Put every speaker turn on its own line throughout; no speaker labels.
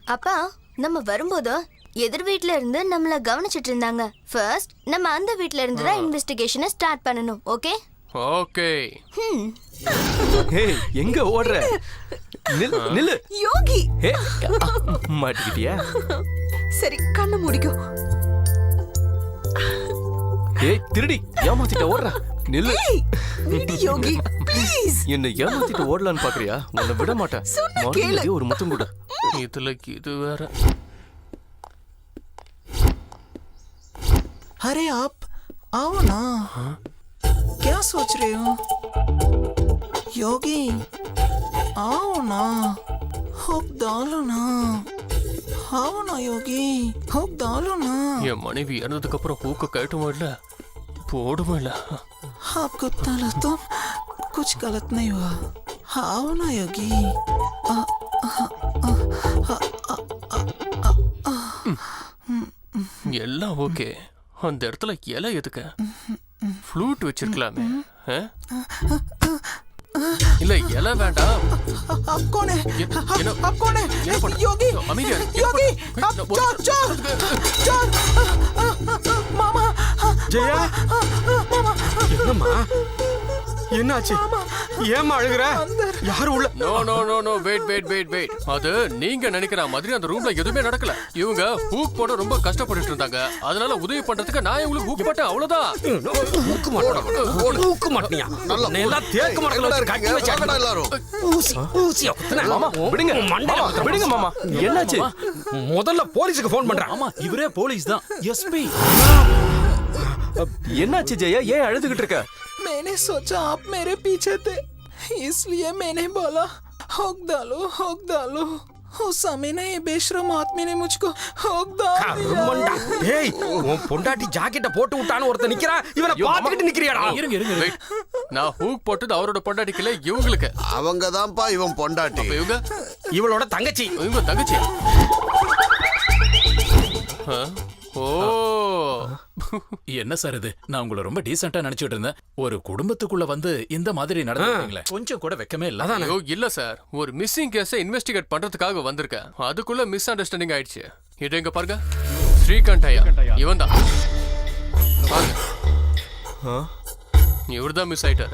அப்பா நம்ம வரும்போது எதிர் வீட்ல இருந்து நம்மள கவனிச்சிட்டு இருந்தாங்க. ஃபர்ஸ்ட் நம்ம அந்த வீட்ல இருந்து தான் இன்வெஸ்டிகேஷனை ஸ்டார்ட் பண்ணனும். Okay
okay.
ஏய் எங்க ஓடுற? நில்லு
யோகி.
மாட்டிக்கிட்டியா?
சரி கண்ணை மூடிக்கோ.
ஏய் திருடி ஏமாத்திட்ட ஓடுற. நில்லு.
விடு யோகி ப்ளீஸ்.
என்ன ஏமாத்திட்டு ஓடலான்னு பாக்குறியா? உன்னை விட மாட்டேன். மறுபடியும் ஒரு முத்தம் கூட.
இதுல இது வேற.
अरे आप आओ ना. क्या सोच रहे हो योगी? आओ ना, हुक डालो ना. आओ ना योगी, हुक डालो ना.
என் மனைவி இறந்ததுக்கு அப்புறம் ஹூக்க கழட்டுமா இல்ல போடுமா இல்ல?
आपको तला तो कुछ गलत नहीं हुआ. आओ ना योगी.
எல்லாம் ஓகே. அந்த இடத்துல இலை எதுக்கு? ஃப்ளூட் வச்சிருக்கலாமே. இல்ல இலை வேண்டாம்.
आप कौन है?
என்ன
आप कौन है?
என்ன பண்ற?
योगी
அமைதியா இரு.
योगी आप चोर चोर चोर. मामा
ஜெயா
मामा
என்னம்மா என்னாச்சு? ஏம்மா அழுகுற? யாரும் உள்ள?
No no no no wait wait wait wait. அது நீங்க நினைக்கிற மாதிரி அந்த ரூம்ல எதுவுமே நடக்கல. இவங்க ஹூக் போட ரொம்ப கஷ்டப்பட்டுட்டு இருந்தாங்க. அதனால உதவி பண்றதுக்கு நான் உங்களுக்கு ஹூக் போட்டேன் அவ்வளவுதான்.
ஊக்க மாட்டியா? நல்லா எல்லாம் தேக்க மாட்டல கட்டி வச்சாங்க எல்லாரும். ஊசியா குத்துனா.
மாமா விடுங்க. மாமா விடுங்க மாமா. என்னாச்சு?
முதல்ல போலீஸ்க்கு ஃபோன் பண்றேன்.
ஆமா இவரே போலீஸ் தான். எஸ்பி.
என்னாச்சு ஜெயா? ஏன் அழுதுகிட்டு இருக்க?
मैंने सोचा आप मेरे पीछे थे, इसलिए मैंने बोला हुक डालो. उस समय ना ये बेशरम आदमी ने मुझको हुक डाल
கருமண்டா.
दिया.
ஏய் உன் பொண்டாட்டி ஜாக்கெட்ட போட்டு விட்டான்னு ஒருத்தன் நிக்கிறான். இவனை பாத்துக்கிட்டு நிக்கிறியாடா?
இருங்க இருங்க
Wait. நான் ஹூக் போட்டது அவரோட பொண்டாட்டிக்கல இவங்களுக்கு.
அவங்க தான்ப்பா இவன் பொண்டாட்டி.
அப்ப இவங்க
இவளோட தங்கச்சி.
இவங்க தங்கச்சி. ஓ
என்ன சார் இது? நான் உங்களை ரொம்ப டீசென்ட்டா நினைச்சிட்டு இருந்தேன். ஒரு குடும்பத்துக்குள்ள வந்து இந்த மாதிரி நடந்துட்டீங்களே, கொஞ்சம் கூட வெக்கமே இல்ல.
ஐயோ இல்ல சார், ஒரு மிஸ்ஸிங் கேஸை இன்வெஸ்டிகேட் பண்றதுக்காக வந்திருக்கேன். அதுக்குள்ள மிஸ் அண்டர்ஸ்டாண்டிங் ஆயிடுச்சு. இது எங்க பாருங்க, ஸ்ரீகாந்த் ஐயா இவன் தான். பாருங்க, இவர்தான் மிஸ் ஆயிட்டாரு.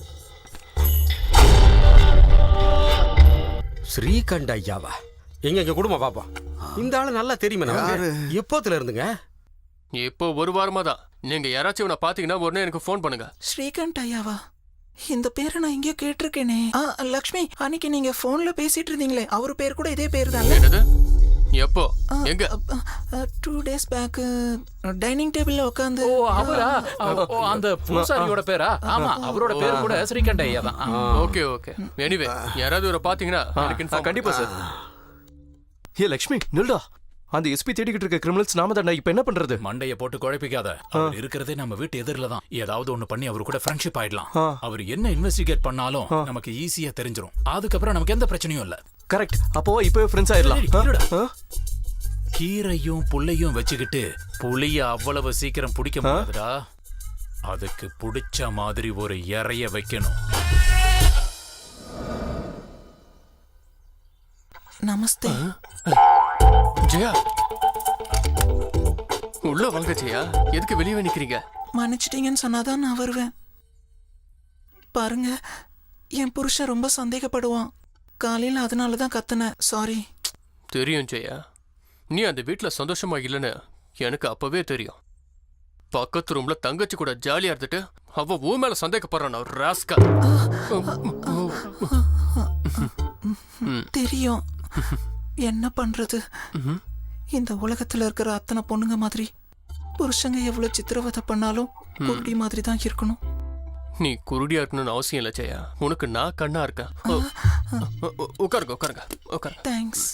ஸ்ரீகண்ட ஐயாவா? எங்க குடும்பம் பாப்பா. இந்த ஆளு நல்லா தெரியுமே நமக்கு. எப்போத்துல இருந்துங்க?
இப்போ ஒரு வாரமா தான். நீங்க யாராச்சும் இவனை பாத்தீங்கன்னா உடனே எனக்கு ஃபோன் பண்ணுங்க.
ஸ்ரீகாந்த் ஐயாவா? இந்த பேரை நான் எங்கேயோ கேட்டிருக்கேனே. லக்ஷ்மி, அன்னைக்கு நீங்க போன்ல பேசிட்டு இருந்தீங்களே, அவர் பேர் கூட இதே பேர் தான்.
என்னது? எப்போ? எங்க?
2 days பேக் டைனிங் டேபிள்ல உட்கார்ந்து.
ஓ அவரா? அந்த பூசாரியோட பேரா? ஆமா, அவரோட பேர் கூட ஸ்ரீகண்ட ஐயா தான்.
Okay okay. எனிவே யாராவது இவரை பாத்தீங்கன்னா எனக்கு இன்ஃபார்ம்
கண்டிப்பா சார். ஏ லக்ஷ்மி நில்டா. அந்த எஸ்பி தேடிக்கிட்டு இருக்க கிரிமினல்ஸ் நாம தான். இப்ப என்ன பண்றது?
மண்டைய போட்டு குழப்பிக்காத. அவர் இருக்கிறதே நம்ம வீட்டு எதிரில தான். ஏதாவது ஒண்ணு பண்ணி அவரு கூட ஃப்ரெண்ட்ஷிப் ஆயிடலாம். அவர் என்ன இன்வெஸ்டிகேட் பண்ணாலும் நமக்கு ஈஸியா தெரிஞ்சிரும். அதுக்கப்புறம் நமக்கு எந்த பிரச்சனையும் இல்ல.
கரெக்ட். அப்போ இப்பவே ஃப்ரெண்ட்ஸ் ஆயிடலாம்.
கீரையும் புள்ளையும் வச்சுக்கிட்டு புளிய அவ்வளவு சீக்கிரம் பிடிக்க முடியாதுடா. அதுக்கு பிடிச்ச மாதிரி ஒரு இறைய வைக்கணும்.
நமஸ்தே.
ஜெயா, உள்ள வாங்க ஜெயா. எதுக்கு வெளியே நிக்கிறீங்க?
மன்னிச்சிட்டீங்கன்னு சொன்னாதான் நான் வருவேன். பாருங்க, என் புருஷன் ரொம்ப சந்தேகப்படுவான். காலையில் அதனால தான் கத்துனேன். சாரி.
தெரியும் ஜெயா, நீ அந்த வீட்டுல சந்தோஷமா இல்லைன்னு எனக்கு அப்பவே தெரியும். பக்கத்து ரூம்ல தங்கச்சி கூட ஜாலியா இருந்துட்டு அவ ஊ மேல சந்தேகப்படுறான். ராஸ்கா.
தெரியும். என்ன பண்றது? இந்த உலகத்துல இருக்கிற அத்தனை பொண்ணுங்க மாதிரி புருஷங்க எவ்வளவு சித்திரவதை பண்ணாலும் குருடி மாதிரி தான் இருக்கணும்.
நீ குருடியா இருக்கணும்னு அவசியம் இல்லை ஜெயா. உனக்கு நான் கண்ணா இருக்கேன். உட்காருங்க உட்காருங்க உட்காருங்க.
தேங்க்ஸ்.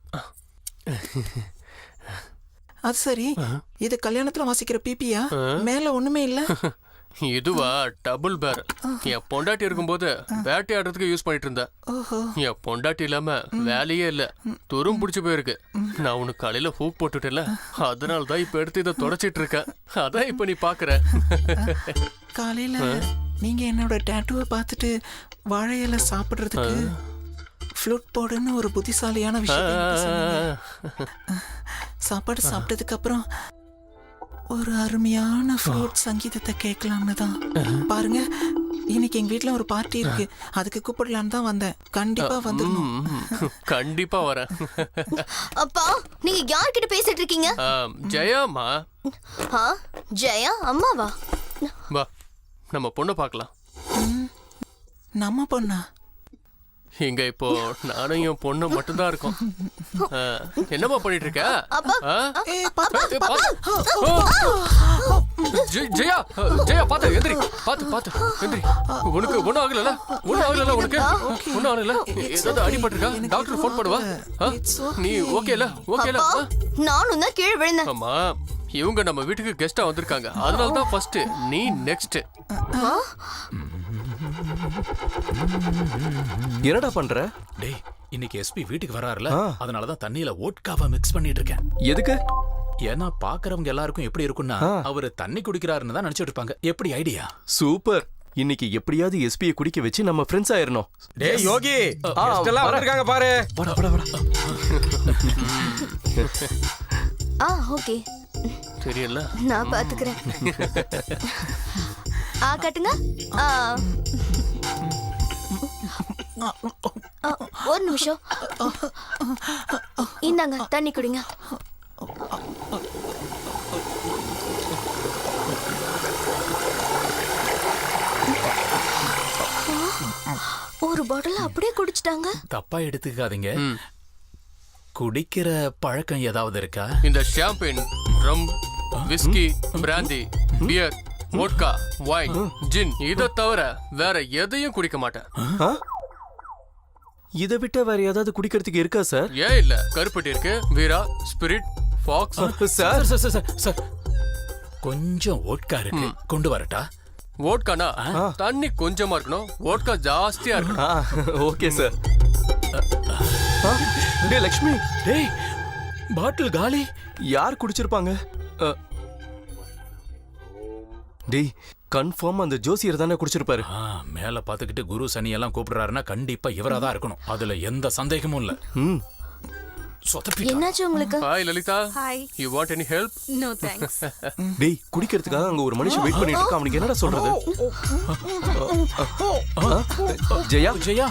அது சரி, இது கல்யாணத்துல வாசிக்கிற பிபியா? மேல ஒண்ணுமே இல்ல.
இதுவா டபுள் பேரல். என் பொண்டாட்டி இருக்கும்போது வேட்டையாடுறதுக்கு யூஸ் பண்ணிட்டு இருந்தேன். என் பொண்டாட்டி இல்லாம வேலையே இல்ல, துரும் பிடிச்சு போயிருக்கு. நான் உனக்கு காலையில ஹூக் போட்டுட்டேன்ல, அதனாலதான் இப்ப எடுத்து இதை தொடச்சிட்டு இருக்கேன். அதான் இப்ப நீ பாக்குற.
காலையில நீங்க என்னோட டாட்டூவை பார்த்துட்டு வாழை இலை சாப்பிடுறதுக்கு ஃப்ளூட் போடுன்னு ஒரு புத்திசாலியான விஷயம் எனக்கு சொன்னீங்க. சாப்பாடு சாப்பிட்டதுக்கு அப்புறம் ஒரு அருமையான ஃப்ளூட் சங்கீதத்தை கேட்கலாம்னு தான். பாருங்க, இன்னைக்கு எங்க வீட்ல ஒரு பார்ட்டி இருக்கு, அதுக்கு கூப்பிடலான்னு தான் வந்தேன். கண்டிப்பா வந்துடணும்.
கண்டிப்பா வரேன்.
அப்பா நீங்க யார்கிட்ட பேசிட்டு இருக்கீங்க?
ஜெயாமா,
ஆ, ஜெயா அம்மாவா?
வா நம்ம பொண்ணை பார்க்கலாம்.
நம்ம பொண்ணா?
இங்க இப்போ நானும் என் பொண்ணு மட்டும்தான் இருக்கோம். என்னம்மா பண்ணிட்டு இருக்க? ஆ? ஏய், ஜெயா ஜெயா பாத்து எந்திரி, பாத்து எந்திரி. உனக்கு ஒண்ணும் ஆகல? ஒண்ணும் ஆகல உனக்கு? ஒண்ணும் ஆகல? ஏதாவது அடிபட்டிருக்கா? டாக்டர் ஃபோன் பண்ணுவா. நீ ஓகேல? ஓகேல?
நானும் தான் கீழே விழுந்தேன்.
ஆமா, இவங்க நம்ம வீட்டுக்கு கெஸ்டா வந்திருக்காங்க, அதனால தான் ஃபர்ஸ்ட் நீ நெக்ஸ்ட்.
என்னடா பண்ற?
டேய், இன்னைக்கு எஸ்பி வீட்டுக்கு வராருல, அதனாலதான் தண்ணியில ஓட்காவை மிக்ஸ் பண்ணிட்டு இருக்கேன்.
எதுக்கு?
ஏன்னா பாக்குறவங்க எல்லாருக்கும் எப்படி இருக்கும்னா அவரு தண்ணி குடிக்கிறாருன்னு தான் நினைச்சிட்டு இருப்பாங்க. எப்படி ஐடியா?
சூப்பர். இன்னைக்கு எப்படியாவது எஸ்பியை குடிக்க வச்சு நம்ம ஃப்ரெண்ட்ஸ் ஆயிரணும்.
டேய் யோகி, கெஸ்ட் எல்லாம் வந்திருக்காங்க பாரு.
வாடா.
ஓகே,
தெரியல,
நான் பாத்துக்கிறேன். கட்டுங்க. ஒரு நிமிஷம், இந்தாங்க தண்ணி குடிங்க. ஒரு பாட்டில் அப்படியே குடிச்சிட்டாங்க.
தப்பா எடுத்துக்காதீங்க. குடிக்கிற பழக்கம் ஏதாவது இருக்கா?
இந்த champagne, rum, whisky, brandy, beer, vodka, wine, gin இத தவிர வேற எதையும் குடிக்க மாட்டேன்.
இதை விட்ட வேற ஏதாவது குடிக்கிறதுக்கு இருக்கா சார்?
ஏன் இல்ல, கருப்பட்டி இருக்கு, வீரா, ஸ்பிரிட், ஃபாக்ஸ்.
சார்
சார் கொஞ்சம் ஓட்கா இருக்கு, கொண்டு வரட்டா?
வோட்கானா தண்ணி கொஞ்சமா இருக்கணும், வோட்கா ஜாஸ்தியா இருக்கணும்.
Okay sir. டேய் லக்ஷ்மி,
டேய் பாட்டில் காலி.
யார் குடிச்சிருப்பாங்க? டேய் கன்ஃபார்ம் அந்த ஜோசியர் தானே குடிச்சிருப்பாரு.
மேல பாத்துக்கிட்டு குரு சனி எல்லாம் கூப்பிடுறாருன்னா கண்டிப்பா இவரா தான் இருக்கணும், அதுல எந்த சந்தேகமும் இல்ல.
என்னாச்சு உங்களுக்கு?
Hi Lalitha.
Hi.
You want any help?
No thanks.
டேய் குடிக்கிறதுக்காக அங்க ஒரு மனுஷன் வெயிட் பண்ணிட்டு இருக்கான், அவனுக்கு என்னடா சொல்றது? ஜெயா
ஜெயா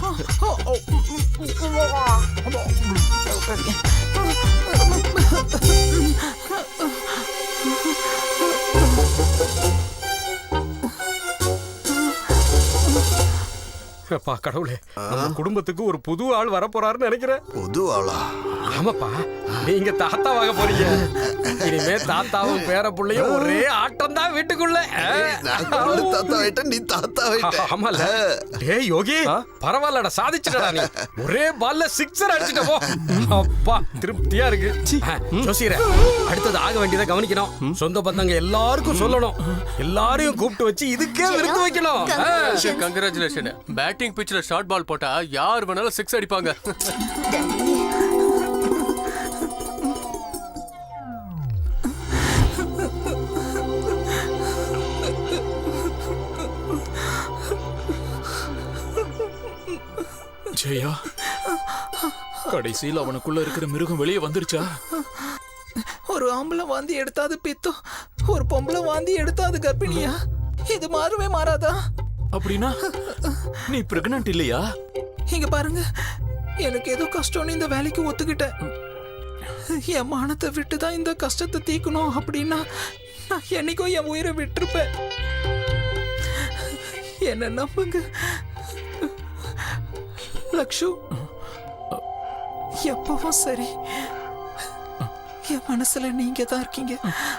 அப்பா கடவுளே, நம்ம குடும்பத்துக்கு ஒரு புது ஆள் வர போறாருன்னு நினைக்கிறேன்.
புது ஆளா?
ஆமாப்பா, நீங்க தாத்தாவாக போறீங்க. இனிமே தாத்தாவும் பேர புள்ளையும் ஒரே ஆட்டம் தான் வீட்டுக்குள்ள.
தாத்தா ஆயிட்ட, நீ தாத்தா ஆயிட்ட.
ஆமால. டேய் யோகி, பரவாயில்லடா, சாதிச்சுடா நீ. ஒரே பால்ல சிக்ஸர் அடிச்சிட்ட போ. அப்பா திருப்தியா இருக்கு. ஜோசியரே, அடுத்தது ஆக வேண்டியதை கவனிக்கணும். சொந்த பந்தங்க எல்லாருக்கும் சொல்லணும், எல்லாரையும் கூப்பிட்டு வச்சு இதுக்கே விருந்து வைக்கணும்.
கங்க்ராச்சுலேஷன். பேட்டிங் பிட்ச்ல ஷார்ட் பால் போட்டா யார் வேணாலும் சிக்ஸ் அடிப்பாங்க.
ஜெயா, கடைசியில் அவனுக்குள்ள இருக்கிற மிருகம் வெளியே வந்துருச்சா?
ஒரு ஆம்பளை வாந்தி எடுத்தாது பித்தம், ஒரு பொம்பளை வாந்தி எடுத்தாது கர்ப்பிணியா? இது மாறவே மாறாதா?
அப்படின்னா நீ பிரெக்னன்ட் இல்லையா?
இங்க பாருங்க, எனக்கு ஏதோ கஷ்டம்னு இந்த வேலைக்கு ஒத்துக்கிட்டேன். என் மானத்தை விட்டு தான் இந்த கஷ்டத்தை தீக்கணும் அப்படின்னா நான் என்னைக்கும் என் உயிரை விட்டுருப்பேன். என்ன நம்புங்க லக்ஷு, எப்பவும் சரி என் மனசுல நீங்க தான் இருக்கீங்க.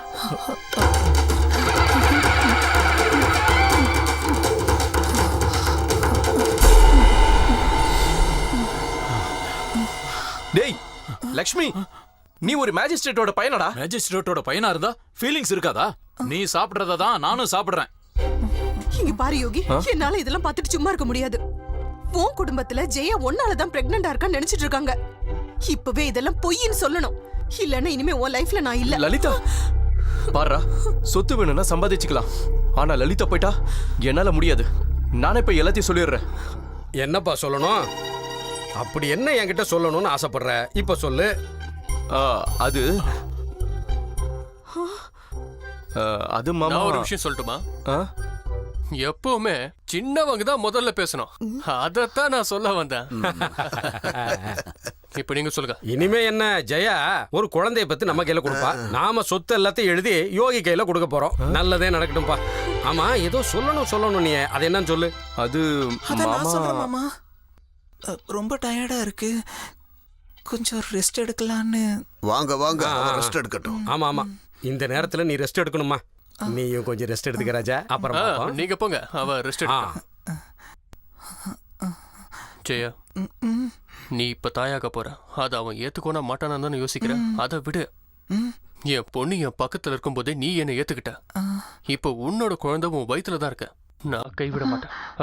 டேய் லக்ஷ்மி, நீ ஒரு மேஜிஸ்ட்ரேட்டோட பையனடா?
மேஜிஸ்ட்ரேட்டோட பையனா இருந்தா ஃபீலிங்ஸ் இருக்காதா? நீ சாப்பிடுறத தான் நானும் சாப்பிடுறேன்.
இங்க பாரு யோகி, என்னால இதெல்லாம் பார்த்துட்டு சும்மா இருக்க முடியாது. உன் குடும்பத்துல ஜெயா ஒன்னாலதான் பிரெக்னண்டா இருக்கான்னு நினைச்சிட்டு இருக்காங்க. இப்பவே இதெல்லாம் பொய்ன்னு சொல்லணும், இல்லன்னா இனிமே உன் லைஃப்ல நான் இல்ல.
லலிதா பாருடா, சொத்து வேணும்னா சம்பாதிச்சுக்கலாம், ஆனா லலிதா போயிட்டா என்னால முடியாது. நானே இப்ப எல்லாத்தையும் சொல்லிடுறேன்.
என்னப்பா சொல்லணும்? அப்படி என்ன என்கிட்ட சொல்லணும்னு ஆசைப்படுற இப்ப சொல்லு.
அது அது மாமா.
நான் ஒரு விஷயம் சொல்லட்டுமா?
ஆ?
எப்பவுமே சின்னவங்க தான் முதல்ல பேசணும். அதத்தான் நான் சொல்ல வந்தேன். இப்ப நீங்க சொல்லுங்க.
இனிமே என்ன ஜெயா ஒரு குழந்தைய பத்தி நம்ம கையில கொடுப்பா. நாம சொத்து எல்லாத்தையும் எழுதி யோகி கையில கொடுக்க போறோம். நல்லதே நடக்கட்டும்பா. ஆமா ஏதோ சொல்லணும் நீ, அது என்னன்னு சொல்லு.
அது
அதான் நான் சொல்றேன்
மாமா.
மாமா. ரொம்ப டயர்டா இருக்கு, கொஞ்சம் ரெஸ்ட் எடுக்கலான்னு.
வாங்க வாங்க ரெஸ்ட் எடுக்கட்டும்.
ஆமா இந்த நேரத்துல நீ ரெஸ்ட் எடுக்கணுமா? நீயும் கொஞ்சம் ரெஸ்ட் எடுத்துக்க ராஜா. அப்புறம் பார்ப்போம்.
நீங்க போங்க, அவ ரெஸ்ட் ஜெயா. நீ இப்ப தாயாக போற, அது அவன் ஏத்துக்கோனா மாட்டானான்னு தானே யோசிக்கிறேன். அதை விடு. என் பொண்ணு என் பக்கத்துல இருக்கும் போதே நீ என்னை ஏத்துக்கிட்ட. இப்ப உன்னோட குழந்தை உன் வயித்துல தான் இருக்க. நான் கைவிட மாட்டேன்.